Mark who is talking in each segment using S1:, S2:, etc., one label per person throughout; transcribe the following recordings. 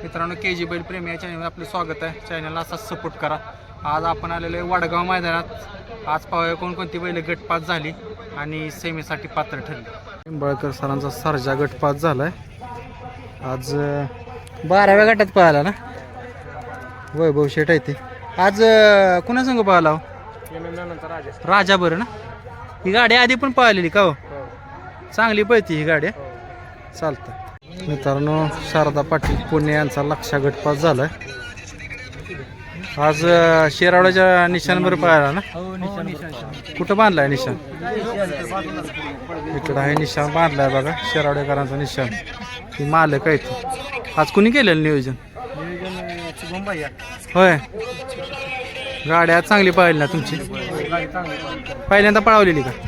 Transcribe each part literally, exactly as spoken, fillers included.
S1: मित्रांनो के जी बैल प्रेमी या चॅनलवर आपलं स्वागत आहे. चॅनलला असाच सपोर्ट करा. आज आपण आलेलो आहे वडगाव मैदानात. आज पाहूया कोणकोणती बैल गटपास झाली आणि सेमीसाठी पात्र ठरली. निंबाळकर सरांचा सर्जा गटपास झालाय. आज बाराव्या गटात पाहिला ना वैभव शेट आहे ते. आज कुणा संघ पाहिला राजा बरं ना. ही गाडी आधी पण पाहिलेली का हो? चांगली पळती ही गाडी. चालतं मित्रांनो, शारदा पाटील पुणे यांचा लक्षा गटपास झालाय. आज शेरावड्याच्या निशाणवर पाहिला ना. कुठं बांधलाय निशाण? इकडं आहे निशाण बांधलाय बघा, शेरावडेकरांचा निशाण. ही मालक आहे ती. आज कुणी केलेलं नियोजन? होय, गाडी आज चांगली पाहिली ना तुमची? पहिल्यांदा पळवलेली का?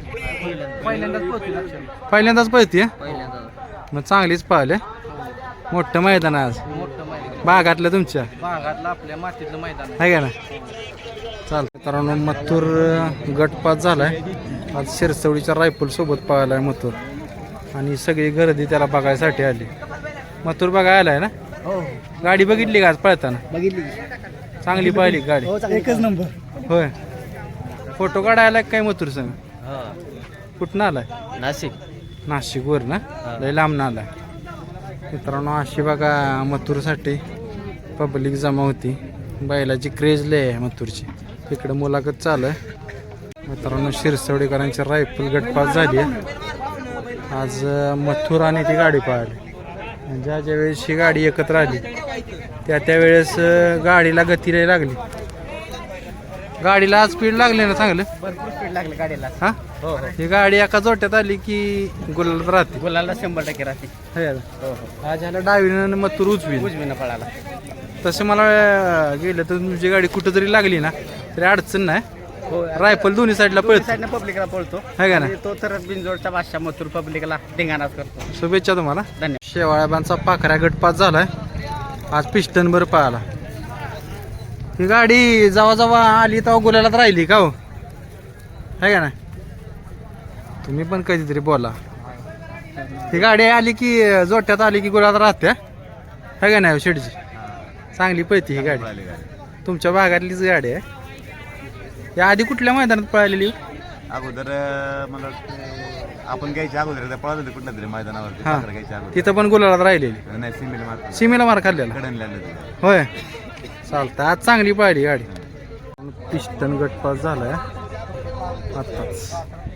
S1: पहिल्यांदाच पळती. मग चांगलीच पाहिले. मोठं मैदान आज बागातलं तुमच्या
S2: भागातलं आपल्या मातीतलं मैदान
S1: आहे का ना. चालतं मित्रांनो, मथुर गटपास झालाय. आज शिरसवडीच्या रायफल सोबत पाहिलाय मथुर आणि सगळी गर्दी त्याला बघायसाठी आली. मथुर बघायला आलाय ना.
S2: हो,
S1: गाडी बघितली का आज पळताना?
S2: बघितली,
S1: चांगली पाहिली गाडी.
S2: एकच नंबर.
S1: होय, फोटो काढायला काय मथुर संग? कुठनं आलाय?
S2: नाशिक.
S1: नाशिकवर ना, लय लांब ना आलाय. मित्रांनो, अशी बघा मथुरसाठी पब्लिक जमा होती. बैलाची क्रेज लय आहे मथुरची. तिकडं मुलाखत चालू आहे. मित्रांनो, शिरसवडीकरांची रायफल गटपास झाली आहे. आज मथुर आणि ती गाडी पाहिली. ज्या ज्या वेळेस ही गाडी एकत्र आली त्या त्यावेळेस गाडीला गती लय लागली. गाडीला आज स्पीड लागली ना चांगलं.
S2: भरपूर स्पीड लागली गाडीला.
S1: हा,
S2: हो हो,
S1: ही गाडी एका जोट्यात आली की गुलालात राहते.
S2: गुलाला शंभर टक्के राहते.
S1: है ना?
S2: हो हो,
S1: आज ह्याला डावीनं मथुर उजवी.
S2: उजवीनं पळाला.
S1: तसं मला गेलं तर तुमची गाडी कुठं जरी लागली ना तरी अडचण नाही.
S2: हो,
S1: रायफल दोन्ही साईडला पळतो
S2: साईडनं पब्लिकला पळतो.
S1: है का ना.
S2: आणि तो तर बिनजोडचा बादशाह मथुर पब्लिकला धिंगाणाच करतो.
S1: शुभेच्छा तुम्हाला.
S2: धन्यवाद.
S1: शेवाळ्याबांचा पाखऱ्या गटपास झालाय. आज पिस्टन भर पळाला. ही गाडी जेव्हा जेव्हा आली तेव्हा गुलालात राहिली का हो? है का ना. तुम्ही पण कधीतरी बोला. ही गाडी आली की जोट्यात आली की गुलालात राहते. है का नाही शेडची? चांगली पळती ही गाडी. तुमच्या भागातलीच गाडी आहे. या आधी कुठल्या मैदानात पळालेली?
S3: अगोदर मला वाटतं आपण घ्यायच्या अगोदर पळत होते कुठल्या तरी मैदानावरती.
S1: हा,
S3: पाखरं घ्यायच्या अगोदर
S1: तिथं पण गुलालात राहिलेली.
S3: नाही, सीमेला मार
S1: सीमेला मार खाल्लेला.
S3: कडन लागलं.
S1: होय, चालतं. आज चांगली पाहिली गाडी. पिस्टन गटपास झालाय आताच.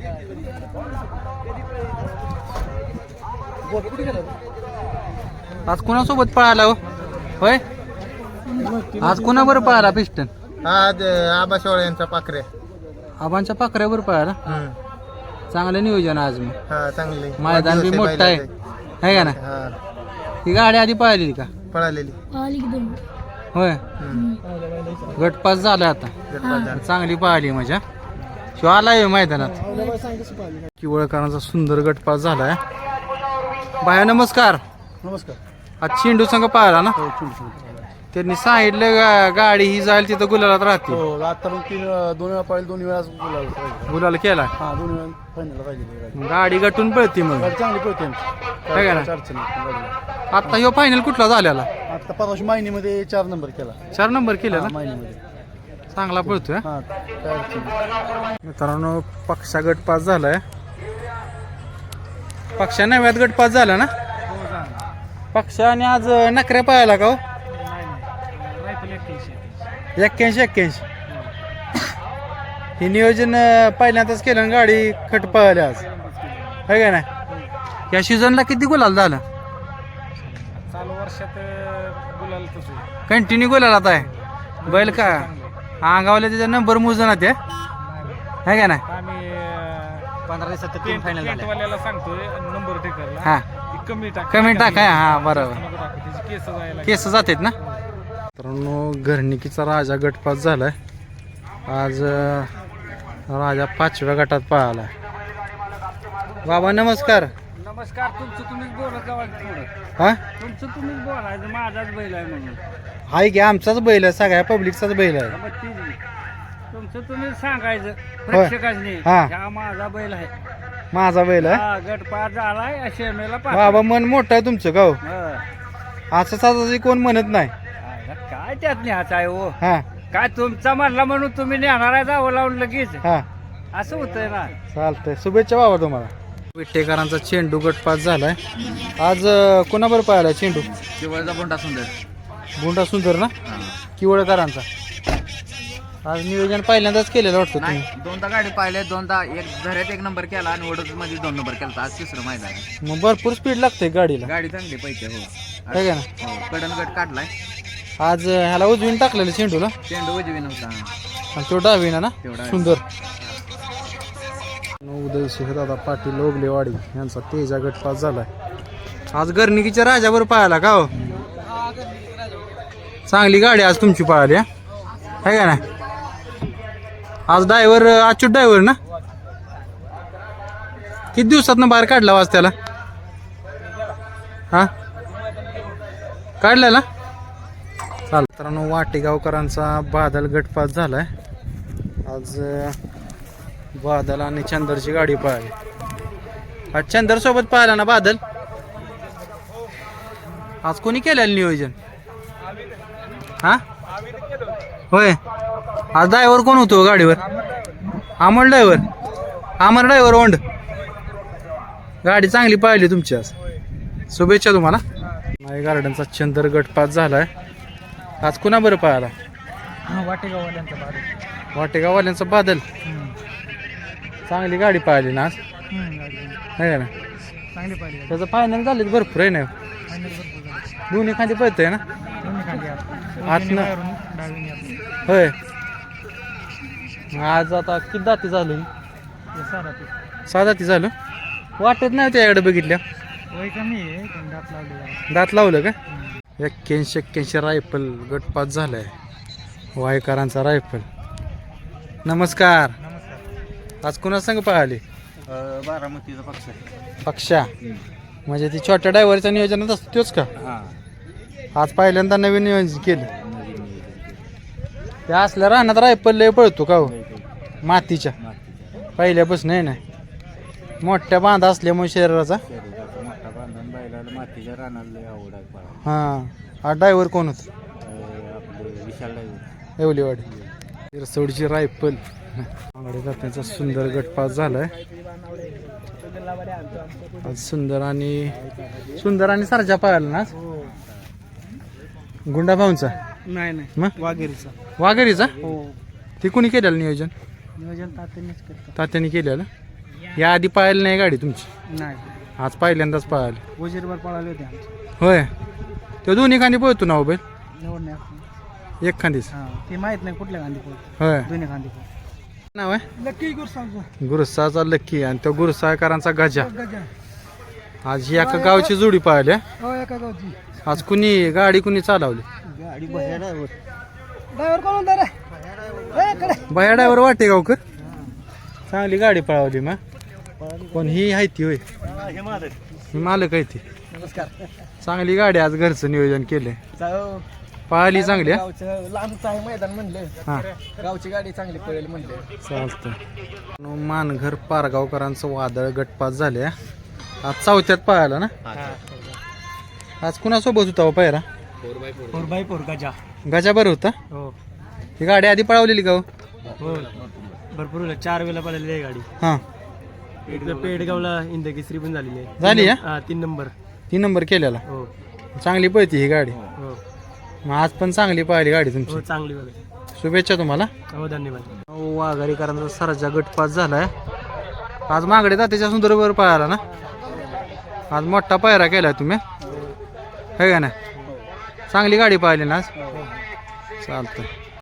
S1: आज कुणासोबत पळाला हो? होय, आज कुणाबरोबर पळाला पिस्टन?
S3: आज आबा शेवाळे यांचा पाखरे.
S1: आबांच्या पाखऱ्यावर पळाला. चांगलं नियोजन आज. मग
S3: हा, चांगले.
S1: मैदान बी मोठं आहे, है का ना. ही गाडी आधी पळालेली का?
S3: पळालेली.
S1: होय, गटपास झाला आता. चांगली पाहिली मजा. शिव आलाय मैदानात. किवळकरांचा सुंदर गटपास झालाय. बाया नमस्कार.
S2: नमस्कार.
S1: आज चेंडू संघ पाहिला ना. त्यांनी सांगितलं गा- गाडी ही जाईल तिथं गुलालात राहते.
S2: हो, आता पण तीन दोन वेळा पळेल, दोन वेळा गुलाल पाहिजे.
S1: गुलाल केला.
S2: हा, दोन वेळा फायनल पाहिजे.
S1: गाडी गटून पळती मग.
S2: गाडी चांगली पळते
S1: है का ना?
S2: अडचण नाही गाडीला.
S1: आता ह्यो फायनल कुठला झालेला?
S2: आता परवाशी मायनीमध्ये चार नंबर केला.
S1: चार नंबर केला ना.
S2: मायनीमध्ये
S1: चांगला पळतोय.
S2: हा, काय अडचण नाही.
S1: मित्रांनो, पक्षा गटपास झालाय. पक्षा नव्यात गटपास झाला ना. पक्षा आणि आज नकऱ्या पाहायला का हो? एक्क्याऐंशी एक्क्याऐंशी हे नियोजन पहिल्यांदाच केलं आणि गाडी खट पळाली आज, है का नाही. या सीझनला किती गुलाल झालं?
S2: चालू वर्षात गुलाल
S1: कंटिन्यू गुलालात आहे बैल का. अंगावले त्याचा नंबर मोजना ते, है का नाही.
S2: आम्ही पंधरा दिवसात तीन फायनल झाले. सांगतोय नंबर टेकरला
S1: हा,
S2: कमी टाक
S1: कमी टाकाय. हा, बरोबर.
S2: त्याची केस जायला
S1: केस जातात ना. मित्रांनो, घरणिकीचा राजा गटपास झालाय. आज राजा पाचव्या गटात पळाला. बाबा नमस्कार.
S2: नमस्कार. तुमचं तुम्हीच बोलत जावा थोडं.
S1: हा,
S2: तुमचं तुम्हीच बोलायचं. माझाच बैल आहे म्हणून.
S1: हाय की आमचाच बैल आहे, सगळ्या पब्लिकचाच बैल आहे.
S2: मग ती तुमचं तुम्ही सांगायचं प्रेक्षकांनी.
S1: हा.
S2: हा माझा बैल आहे.
S1: माझा बैल आहे.
S2: हा, गट पार झालाय. शेमेला पार.
S1: बाबा मन मोठं आहे तुमचं गाव.
S2: हा.
S1: असं साधाची कोण म्हणत नाही
S2: काय त्यात न्यायचं आहे हो
S1: हा
S2: काय तुमचा म्हणला म्हणून तुम्ही नेणार आहे जावं लावून लगेच
S1: हा
S2: असं होतंय ना.
S1: चालतंय शुभेच्छा बाबा तुम्हाला. विट्टेकरांचा चेंडू गटपास झालाय आज. अं, कोणाबरोबर पाहिला चेंडू?
S2: शिवायचा बोंडा सुंदर
S1: गुंडा सुंदर ना किवळकरांचा. आज नियोजन पहिल्यांदाच केलेलं वाटतं तुम्ही.
S2: दोनदा गाडी पाहिले दोनदा एक झऱ्यात एक नंबर केला आणि वडोद मध्ये दोन नंबर केला. आज तिसरं मैदान आहे.
S1: मग भरपूर स्पीड लागते गाडीला
S2: गाडी चांगली पैसे हो
S1: आहे का ना.
S2: हो कडन गट काढलाय.
S1: आज अं, ह्याला उजवीन टाकलेलं चेंडूला
S2: चेंडू उजवी नव्हता
S1: आणि तो डावीना ना
S2: तेवढा आहे.
S1: सुंदर. उदय दादा पाटील ओगलेवाडी यांचा तेजा गटपास झालाय. आज गर्निकीच्या राजावर पाहायला का हो? चांगली गाडी आज तुमची पळाली आहे का ना. आज ड्रायव्हर अच्युत ड्रायव्हर ना किती दिवसात बाहेर काढला आज त्याला हा काढलेला चाल. मित्रांनो वाटेगावकरांचा बादल गटपास झालाय आज. बादल आणि चंदरची गाडी पळाली. आज चंदर सोबत पाहिला ना बादल. आज कोणी केलेलं नियोजन हा होय. आज ड्रायव्हर कोण होतो गाडीवर? अमर ड्रायव्हर. अमर ड्रायव्हर ओंड. गाडी चांगली पाहिली तुमची आज. शुभेच्छा तुम्हाला. माई गार्डनचा चंदर गटपास झालाय आज. कुणा बरं पाहायला?
S2: वाटेगाववाल्यांचा बादल.
S1: वाटेगाववाल्यांचा बादल. चांगली गाडी पाहिली ना आज आहे का ना.
S2: चांगली पाहिजे.
S1: त्याचं फायनल झालं भरपूर आहे ना. दोन्ही खाली पळतंय ना आतनं होय. आज आता किती दाती झाली? सहा दाती झालं. वाटत नाही त्याकडे बघितल्या.
S2: वय कमी आहे पण दात लावले.
S1: दात लावलं का? एक्क्याऐंशी एक्क्याऐंशी रायफल गटपास झालाय वायकरांचा रायफल. नमस्कार. आज कुणा संग पाहिले?
S2: बारामतीचा पक्ष आहे.
S1: पक्षा म्हणजे ती छोट्या ड्रायव्हरच्या नियोजनात असतो तोच का? आज पहिल्यांदा नवीन नियोजन केलं. त्या असल्या रानात रायफल लय पळतो का हो मातीच्या पहिल्यापासून आहे ना. मोठ्या बांधा असल्यामुळे शरीराचा.
S2: मातीच्या रानाला आवड आहे.
S1: हां हा ड्रायव्हर कोण होत?
S2: विशाल ड्रायव्हर.
S1: एवलीवाडी. तिरसोडची रायफल त्याचा सुंदर गटपास झालाय आज. सुंदर आणि सुंदर आणि सरजा पाहायला ना. गुंडा भाऊंचा
S2: नाही नाही
S1: मग
S2: वाघेरीचा.
S1: वाघेरीचा.
S2: हो
S1: ते कुणी केलेलं नियोजन?
S2: नियोजन तात्यानेच करतो.
S1: तात्याने केलेलं. या आधी पाहायला नाही गाडी तुमची?
S2: नाही
S1: आज पहिल्यांदाच पाहायला.
S2: वजीरभर पळाले होते आमचे.
S1: होय. तो दोन्ही खांदी पळतो ना हो बैल?
S2: निवड नाही.
S1: एक खांदीच.
S2: हां ते माहित नाही कुठल्या गांधी पळतो.
S1: होय.
S2: दोन्ही गांधी पळतो.
S1: नाव आहे
S2: लकी गुरसांचा.
S1: गुरुसाचा लक्की आणि तो गुरुसाकरांचा गजा.
S2: गजा.
S1: आज ही एका गावची जोडी पाहिली.
S2: हो एका गावची.
S1: आज कुणी गाडी कुणी चालवली?
S2: गाडी बह्या ड्रायव्हर. ड्रायव्हर कोण होता रे?
S1: बया ड्रायव्हर वाटे गावकर. चांगली गाडी पळवली मग. पण ही आहे ती होय ही मालक आहे ती.
S2: नमस्कार.
S1: चांगली गाडी आज घरचं नियोजन केलंय. पळाली चांगली.
S2: लांबच आहे मैदान म्हणलं.
S1: हा
S2: गावची गाडी चांगली पळेल म्हणलं.
S1: चालतं. मानघर पारगावकरांचं वादळ गटपास झाले आज चौथ्यात पळाला ना. आज कुणासोबत होता पायरा?
S2: Four by four Gaja.
S1: Gaja बरं होता.
S2: हो
S1: ही गाडी आधी पळवलेली का हो?
S2: हो भरपूर चार वेळेला पळालेली आहे गाडी.
S1: हां
S2: पेडगावला इंदकेसरी पण झालेली आहे.
S1: झाली आहे.
S2: हा तीन नंबर.
S1: तीन नंबर केलेला.
S2: हो
S1: चांगली पळती ही गाडी.
S2: हो
S1: मग आज पण चांगली पाहिली गाडी तुमची.
S2: हो चांगली बघा.
S1: शुभेच्छा तुम्हाला.
S2: हो धन्यवाद.
S1: वाघारीकरांचा सरजा गटपास झालाय आज. मागडे तात्याच्या सुंदरवर पाहायला ना. आज मोठा पायरा केलाय तुम्ही है का ना. चांगली गाडी पाहिली ना आज. चालतं.